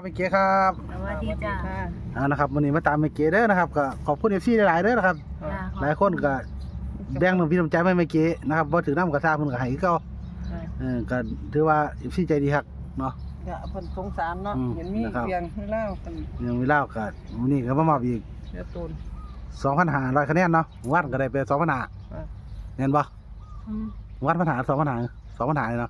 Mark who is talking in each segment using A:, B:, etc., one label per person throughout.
A: เมเก๋ครับ
B: สวัสดีจ้า
A: นะครับวันนี้มาตามเมเก๋เด้อนะครับก็ขอบคุณFCหลายๆเด้อนะครับหลายคนก็แบ่งน้ำพี่น้ำใจให้เมเก๋นะครับบ่ถือน้ำกระซ่าเพิ่นก็ให้คือเก่าก็ถือว่า FC ใจดีคักเนาะ
C: ก็เพิ่นสงสารเนาะเห็นมีเพียงให้เล่าเพิ่น
A: ยังมีเล่าก็มื้อนี้ก็มามอบอีก
C: เสียตูน
A: 2,500คะแนนเนาะวัดก็ได้ไป2,500แม่นบ่วัดปัญหา2,500เลยเนาะ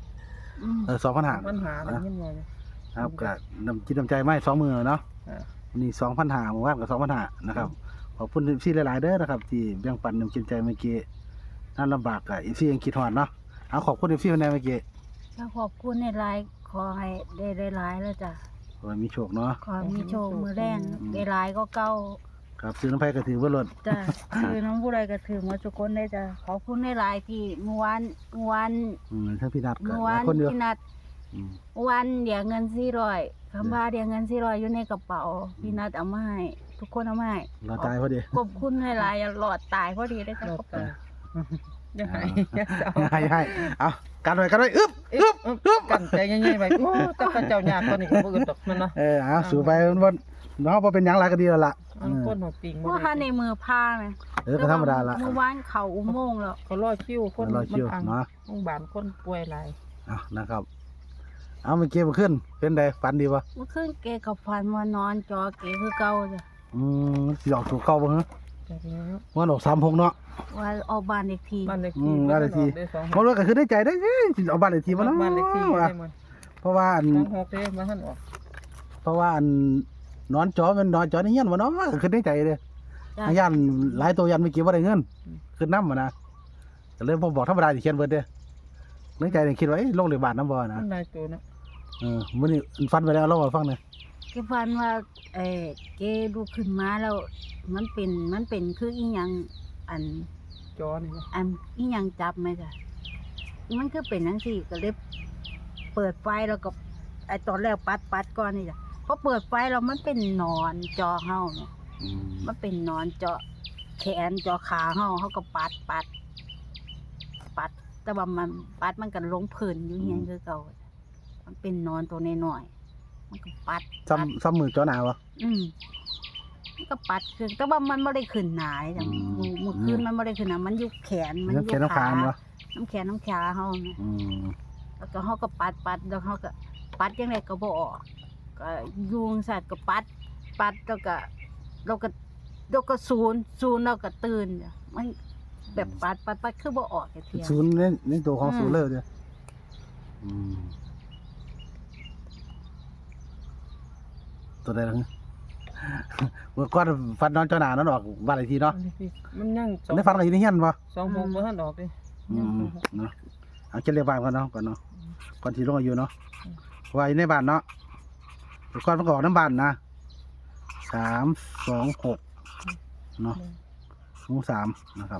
A: 2,500
C: ปัญหาอะไรเงี้ยบ่เนี่ย
A: ครับก็น้ำจิตน้ำใจมาให้2มื้อเนาะวันนี้2,500มื้อวานก็2,500นะครับขอบคุณ FC หลายๆเด้อนะครับที่แบ่งปันน้ำจิตใจเมเก๋นั่นลำบากก็ FC ยังคิดฮอดเนาะเอาขอบคุณ FC ในเมเก๋
B: ถ้าขอบคุณในไลน์ขอให้ได้หลายแล้วจ้ะ
A: ขอให้มีโชคเนาะ
B: ขอมีโชคมือแรงได้หลายก็เก่า
A: ครับซื้อน้ำไผ่ก็ถือว่าลด
B: จ้ะคือน้องผู้ใดก็ถือมาทุกคนได้จ้ะขอบคุณในไลน์ที่เมื่อวาน
A: ทั้งพี่นัดก็
B: เมื่อ
A: ห
B: วา
A: ลาน ยคนเดียว
B: พี่นัด
A: อืม
B: เมื่อวานเดี๋ยวเงิน400คำว่าเดี๋ยวเงิน400อยู่ในกระเป๋าพี่นัดเอามาให้ทุกคนเอามาให้
A: เราตายพอดี
B: ขอบคุณในไลน์หลอดตายพอดีได้จ้ะ
C: ร
B: ข
C: อ
B: อ
C: บบ
B: คุณ
C: ตาอย่าให้อย่าเศร้า
A: ให้เอากันไว้อึ๊บ
C: กันใจง่ายๆไปโอ้แต่ก็เจ้ายากตอนนี้ก็บ่อึดดอกมันเนาะ
A: เอาสู่ไปบนเนาะพอเป็นหยังไรก็ดีแล้วล่ะ
C: อันคนหัวปิงบ่
B: ว่า
C: ได้
B: ในมือผ้าไหม
A: ก็ธรรมดาละ
B: เมื่อวานเขาอุโมงค์แล้ว
C: เขารอคิวคน
A: รอคิว
C: มัน
A: เนาะ
C: โรงพยาบาลคนป่วยหลาย
A: นะครับเอาเมื่อกี้มันขึ้นเป็นไงฝันดีปะ
B: เมื่อคืนเกกับฟันมานอนจอเกคือเก่าจ้ะ
A: หยอกถูกเข้าบ้างฮะ
C: จากแล้ว
A: มันออก36เนาะ
B: ว่าออกบ้านอีกที
C: บ้านเลขที่
A: บ้านเลขที่
C: ได้สอง
A: มันรู้ก็คือได้ใจได้เอาบ้านเลขที่มาเนาะ
C: บ้านเลขที่ได้หมด
A: เพราะว่า
C: 26เด้มาทันออก
A: เพราะว่านอนจอมันนอนจอในเงี้ยนวะเนาะคือได้ใจเลย
B: จ้ะ
A: ยันหลายตัวยันไม่เกี่ยวว่าได้เงินคือน้ำมานะก็เลยผมบอกธรรมดาที่เขียนเบิดเด้อในใจเนี่ยคิดว่าลงเหลือบาทน้ำบ่อนะ
C: มันหลายตัวเนาะ
A: มื้อนี้ฟันไปแล้วเล่ามาฟังหน่อย
B: เกฟันว่าเกดูขึ้นมาแล้วมันเป็นคืออีหยังอัน
C: จอนี่เนาะ
B: อีหยังจับไหมจ้ะมันคือเป็นจังซี่ก็เลยเปิดไฟแล้วก็ตอนแรกปัดก่อนนี่จ้ะพอเปิดไฟแล้วมันเป็นหนอนจอเฮาเนาะมันเป็นหนอนเจาะแขนเจาะขาเฮาก็ปัด แต่ว่ามันปัดมันก็ลงพื้นอยู่เฮียนคือเก่ามันเป็นหนอนตัวน้อยๆมันก็ปัด
A: ซ้ำมือจอหนาวะ
B: มันก็ปัดคือแต่ว่ามันไม่ได้ขึ้นหนาจ้ะ มือขึ้นมันไม่ได้ขึ้นหนามันอยู่แขนมันอยู่
A: เขียนน้ำคามวะ
B: น้ำแขนน้ำขาเฮานะแล้วก็เฮาก็ปัดแล้วเฮาก็ปัดจังไดก็บ่ออกก็ยุงสัตว์ก็ปัดแล้วก็ศูนย์แล้วก็ตื่นจ้ะมันแบบปัดคือบ่ออกจักเที่ย
A: ศูนย์ในตัวของศูนย์เลยเด้อตัวใดล่ะเมื่อก่อนฟันนอนจอหนานั่นออกบ้านเลขที่เนาะ
C: บ้านเลขที่มันยัง
A: ได้ฟันอะไรอยู่ในเฮียนปะ
C: 26บ่ทันออกเด้
A: เนาะเอาเก็บเลขบ้านก่อนเนาะก่อนที่ลงอายุเนาะว่าอยู่ในบ้านเนาะก่อนมันก็ออกน้ำบ้านนะ326เนาะ3นะครับ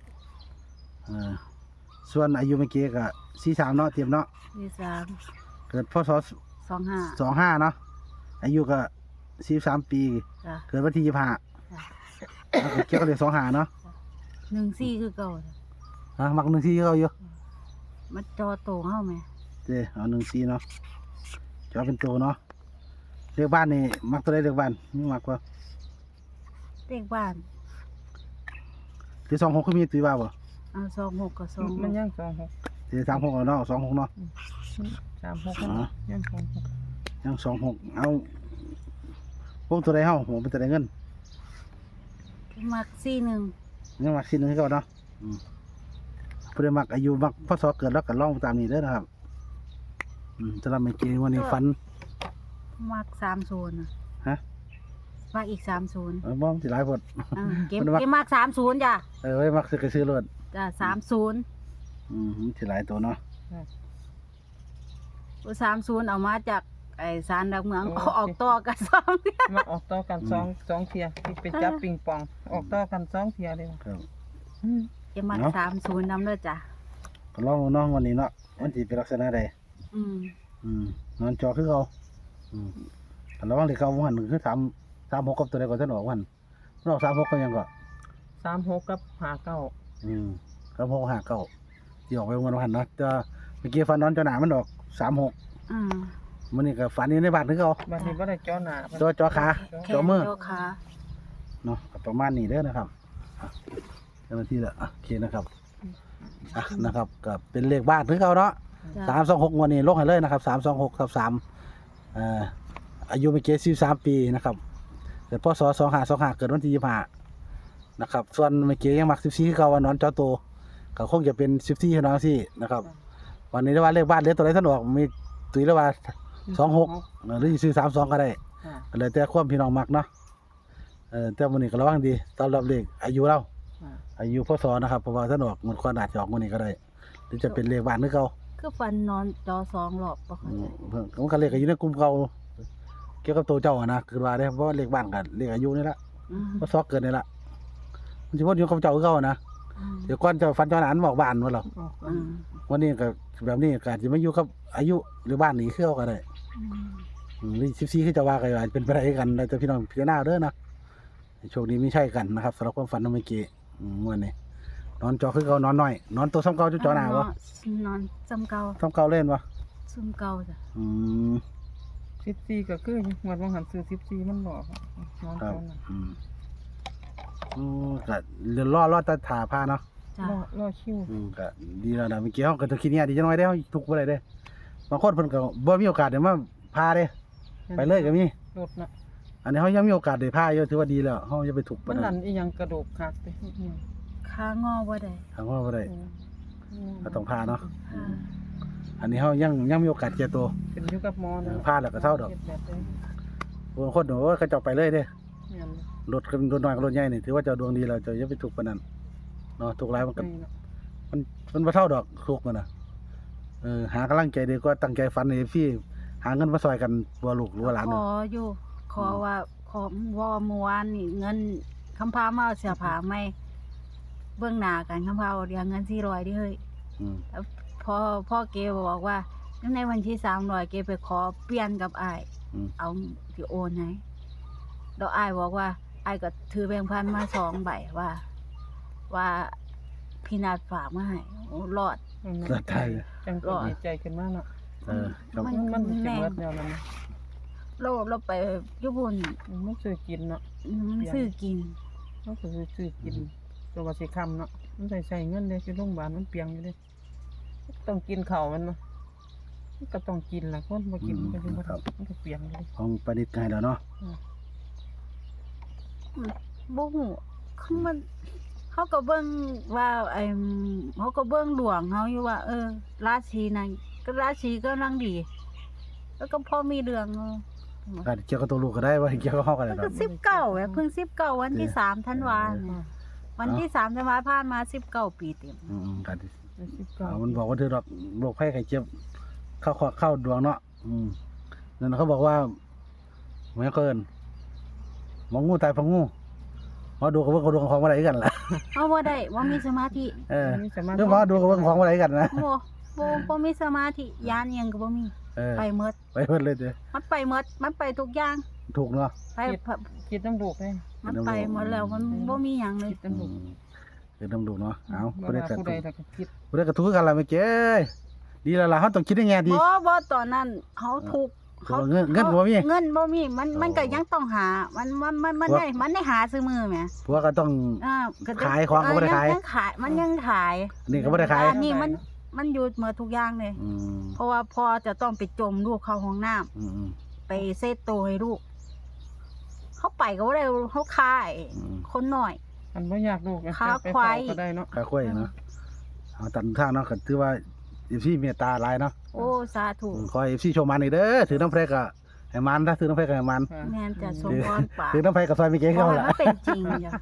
A: ส่วนอายุเมื่อกี้ก็43เนาะเตรียมเนาะ
B: ที่
A: เกิดพศ
B: 3 25
A: 25เนาะอายุก็43ปี
B: จ้ะ
A: เกิดวันที่25แล้วก็เกี่ยวกับเลข25เนาะ
B: 14คือเก่าจ้ะ
A: มัก14เขาอยู่
B: มันจอโตเฮาแม่
A: เอา14เนาะจะเอาเป็นตัวเนาะเลขบ้านนี่มักตัวใดเลขบ้านนี่มักว่า
B: เลขบ้าน
A: หรือ26คือมีตีว่าบ่
B: เอา26กับ26
C: มันยัง26
A: หรือ36เอาเนาะ26เนาะ
C: 36ยัง26
A: ยัง26เอาพวกตัวใดเฮาผมเป็นตัวใดเงิน
B: มัก41
A: ยังมักสิหนึงคือเก่าเนาะเพิ่นมักอายุมักพศเกิดแล้วก็ลองตามนี้เด้อนะครับจะรับไม่เกณฑ์วันนี้ฝัน
B: มัก30น่ะ
A: ฮะ
B: มักอีก30
A: บ่สิหลายพด
B: เก็บมัก30จ้ะ
A: ไว้มักซื้อรถ
B: จ้ะ30
A: สิหลายตัวเนาะ
B: 30เอามาจากศาลหลักเมืองออกต่อกัน2
C: มาออกต่อกัน2เที่ยที่ไปจับปิงปองออกต่อกัน2เที่ยเลย
A: ครับ
B: เก็บมัก30นำเด้อจ้ะ
A: ก็ลองเนาะวันนี้เนาะมันสิเป็นลักษณะใดนอนจอคือเขาแต่ระวังที่เขาวันคือ36กับตัวใดก็จะออกวันมันออก36ก็ยังก็
C: 36กับ59
A: ครับ659ที่ออกไปวันเนาะจะเมื่อกี้ฟันนอนจอหนามันออก36 มื้อนี้ก็ฝันอยู่ในบ้านคือเก่า
C: บัดนี้บ่ได้จ่อหน้า
A: จ่อขา
B: แข
A: จ่อน มือ
B: จ่อขา
A: เนาะก็ประมาณนี้เด้อนะครับอ่ะเจ้าหน้าที่ละโอเคนะครับนะครับก็เป็นเลขบ้านคือเก่าเนาะ
B: จ้ะ
A: 326งวดนี้ลงให้เลยนะครับ326/3อายุไม่เกิน43ปีนะครับเกิดพศ2525เกิดวันที่25นะครับส่วนไม่เกินยังมัก14คือเก่าว่านอนจอโตก็คงจะเป็น14คือน้องสินะครับวันนี้ได้ว่าเลขบ้านเหลือตัวใดท่านออกมีตุ้ยแล้วว่า26หรือสิซื้อ32ก็ได้
C: ค่ะ
A: ก็เลยแต่ความพี่น้องมักเนาะแต่มื้อนี้ก็ระวังดีต้อนรับเลขอายุเรา
C: ค่ะ
A: อายุพศนะครับเพราะว่าท่านออกมันควรอาจจะออกมื้อนี้ก็ได้หรือจะเป็นเลขบ้านคือเก่า
B: คือฟันนอนจอ2รอบบ่เข้าใจ
A: มันก็เลขอายุในกลุ่มเก่าเกี่ยวกับตัวเจ้าอะนะคือว่าได้เพราะว่าเลขบ้านกับเลขอายุนี่ละ
B: อืม
A: พศเกิดนี่ละมันสิวนอยู่กับเจ้าคือเก่าอะนะ
B: อืม
A: เดี๋ยวก่อนเจ้าฟันเจ้าหลานบอกบ้านว่าหรอ
C: ออก
B: อืม
A: วันนี้ก็แบบนี้ก็อาจจะไม่อยู่กับอายุหรือบ้านนี้คือเก่าก็ได้
B: อืม
A: หรือ14คือจะว่าก็อาจจะเป็นไปได้กันแล้วแต่พี่น้องพิจารณาเด้อนะโชคดีไม่ใช่กันนะครับสำหรับความฝันของเมื่อกี้มื้อนี้นอนจอคือเก่านอนน้อยนอนตัวซ้ำเก่าจอหน้าบ่
B: นอนจำเก่า
A: ซ้ำเก่าเล่นบ่
B: ซุ่มเก่าจ้ะ
A: อืม
C: 14ก็คือหมดว่าหันซื้อ14มันบอกนอน
A: ครับ
C: จ่อหน้า
A: ก็เดี๋ยวรอแต่ถาพาเนาะ
B: จ้ะ
C: รอคิว
A: ก็ดีแล้วนะเมื่อกี้เฮาก็ต้องคิดเนี่ยดีจังหน่อยเด้อทุกบ่ได้เด้บางคนเพิ่นก็บ่มีโอกาสได้มาพาเด้ไปเลยก็มี
C: รถน่ะ
A: อันนี้เฮายังมีโอกาสได้พาอยู่ถือว่าดีแล้วเฮาอย่าไปถูก
C: มั
A: ปาน น
C: นั่
A: นั้น น
C: อีหยังกระโดกคักไปเนี่ย
B: ขางอบ่ได้
A: ทางว่าบ่ได้ ก็ต้องพาเนาะ
B: ค่ะ
A: อันนี้เฮายังมีโอกาสแก่ตัว
C: เป็นอยู่กับหมอนะ
A: พาแล้วก็เศร้าดอก
C: ฮ็แบบนี้
A: บางคนโอ้ยเขาเจ้าไปเลยเด้
C: เนี่ย
A: รถรถน้อยกับรถใหญ่นี่ถือว่าเจ้าดวงดีแล้วเจ้าอย่าไปถูกปานนั้นเนาะถูกหลายมันก็
C: นี่เนาะ
A: มันบ่เท่าดอกทุกมันน่ะหากำลังใจดีกว่าตั้งใจฝันให้พี่หาเงินมาซอยกันบ่ลูกหรือว่าหลาน
B: ข
A: น่ะ
B: ออยู่ขอว่าขอว่าเมื่อวานนี่เงินคำพามาเอาเสื้อผ้าใหม่เบื้องหน้ากันคำพาเอาเรียงเงิน400ดิเฮ้ย
A: อืม
B: พ่อเกบอกว่าในวันที่300เกไปขอเปลี่ยนกับอ้าย
A: อืม
B: เอาที่โอนให้แล้วอ้ายบอกว่าอ้ายก็ถือแบงค์พันมา2ใบว่าพี่นัดฝากมาให้โอ้รอด
A: ก็ได้
C: จังก็ดีใจขึ้นมาเนาะ
A: ครับ
C: มันสิเบิดแนวนั้นนะ
B: เราไปอยู่บุญ
C: มันซื้อกินเนาะ
B: มันซื้อกิน
C: มันก็ซื้อกินตัวว่าสิค้ำเนาะมันใส่เงินเด้อยู่โรงพยาบาลมันเปียงอยู่เด้ต้องกินข้าวมันเนาะมันก็ต้องกินล่ะคนบ่กินมันก็สิบ่ได้มันก็เปียงอยู่เด้
A: ของประดิษฐ์ให้แล้วเนาะ
B: บ่ฮู้คือมันเขาก็เบิ่งว่าเขาก็เบิ่งดวงเขาอยู่ว่า ราศีนั้นก็ราศีกำลังดี แล้วก็พอมีเรื่อง
A: ก็เกี่ยวกับตัวลูกก็ได้ว่าเกี่ยวกับเฮาก็ได้
B: ก็
A: ดอก
B: 19เพิ่ง19วันที่3ธันวาเนี่ยวันที่3ธันวาผ่านมา19ปีเต็ม
A: ก็ดี
C: 19
A: มันบอกว่าเธอดอกโรคภัยไข้เจ็บเข้าดวงเนาะนั่นเขาบอกว่าเหมือนเกินหมองูตายเพราะงูหมอดูกับเบิ่งของดวงของบ่ได้กันล่ะ
B: เอาบ่ได้บ่มีสมาธิ
C: มีสมาธิ
A: เรื่องหมอดูกับเบิ่งของบ่ได้กันนะ
B: บ่มีสมาธิยานอิหยังก็บ่มี ไปหมด
A: ไปเพิ่นเลยเด้อ
B: มันไปหมดมันไปทุกอย่าง
A: ถูกเนาะ
B: ไป
C: คิดน้ำลูกเลย
B: มันไปหมดแล้วมันบ่มีหยังเลย
C: คิดน้ำลูก
A: คือน้ำดูเนาะเอา
C: บ่
A: บ่ได้
C: ว่า
A: กระ
C: ผู้
A: ทุ
C: ใด
A: ก
C: ถ้าก็คิด
A: บ่ได้กระทุกกันล่ะเมื่อกี้ดีแล้วล่ะเฮาต้องคิดในแง่ดี
B: บ่ตอนนั้นเขาถูก
A: เงินบ่มี
B: เงินบ่มีมันก็ยังต้องหามันได้หาซื้อมือแหม
A: ผัวก็ต้อง
B: ก็จะ
A: ขายของก็บ่ได้ขาย
B: ยังขายมันยังขาย
A: นี่ก็บ่ได้ขาย
B: อันนี้มันอยู่หมดทุกอย่างเลย เพราะว่าพ่อจะต้องไปจมลูกเข้าห้องน้ำไปเซตโตวให้ลูกเขาไปก็บ่ได้เขาขายคนน้อย
C: อันบ่อยากลูกนะ
B: ขา
C: ไป
B: ควาย
C: เฝ้ก็ได้เนาะ
A: ค่าค่อยเนาะเอาตันทางเนาะก็ถือว่า FC เมตตาหลายเนาะ
B: โอ้สาธุ
A: ขอให้ FC โชว์มันอีกเด้อถือน้ำแพรก็ให้มันถ้าถือน้ำแพรก็ให้มัน
C: ค่ะ
B: แม่นจะสมพรปาก
A: ถือน้ำแพรก็ซอยมีเก่ง
B: ขอ
A: เข้า
B: ให้
A: ล่ะ
B: มันเป็นจริงจ้ะ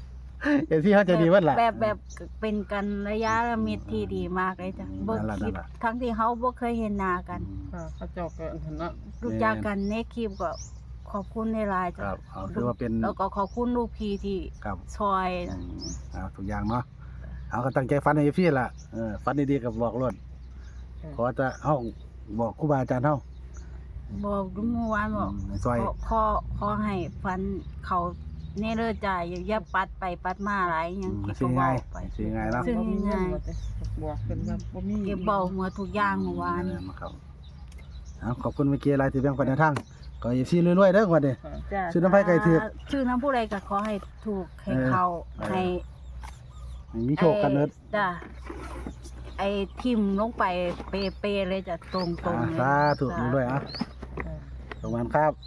A: FC เฮาใจดีเบิดล่ะ
B: แบบเป็นกันระยะมิตรที่ดีมากเลยจ้ะบ่
A: นั่นล่ะ
B: คิด
A: นั่นล่ะ
B: ทั้งที่เขาบ่เคยเห็นหน้ากัน
C: ค่ะเขาเจ้าก็อันนั้นเนาะ
B: รู้จักกันในคลิปก็ขอบคุณในไลน์
A: ค
B: จ้ะ
A: รับเอาถือว่าเป็น
B: แล้วก็ขอบคุณลูกพี่ที่
A: ครับ
B: ซอย
A: เอาทุกอย่างเนาะเอาก็ตั้งใจฝันให้ FC ล่ะฝันดีๆก็บอกรถขอจะเฮาบอกครูบาอาจารย์เฮา
B: บอกเมื่อวานบอก
A: ซอย
B: ขอให้ฟันเขาเนเรอจ่ายอย่าปัดไปปัดมาหลายหยังเก็บ
A: ซื้อ
B: เบา
A: ง่าย
B: ไป
A: ซื้อง่ายเนาะ
B: ซื้อ
C: บ่มีเงิน
B: ง่าย
C: บ่ได้บอกเพิ่นว่าบ่มี
B: เก็บเบาหมดทุกอย่างเมื่อวาน
A: ครับขอบคุณเมื่อกี้หลายที่แบ่งปันแนวทางก็อย่าซีรวยๆเด้อวันนี้
B: จ้ะ
A: ชื่อน้ำไผ่ไก่เถือก
B: ชื่อน้ำผู้ใดก็ขอให้ถูกให้เขาให้
A: มีโชคกันเด้อ
B: จ้ะไอ้ทิมลงไปเปเลยจ้ะตรงๆเลย
A: สาธุรวยๆอ่ะ
C: อ่า
A: ประมาณครับ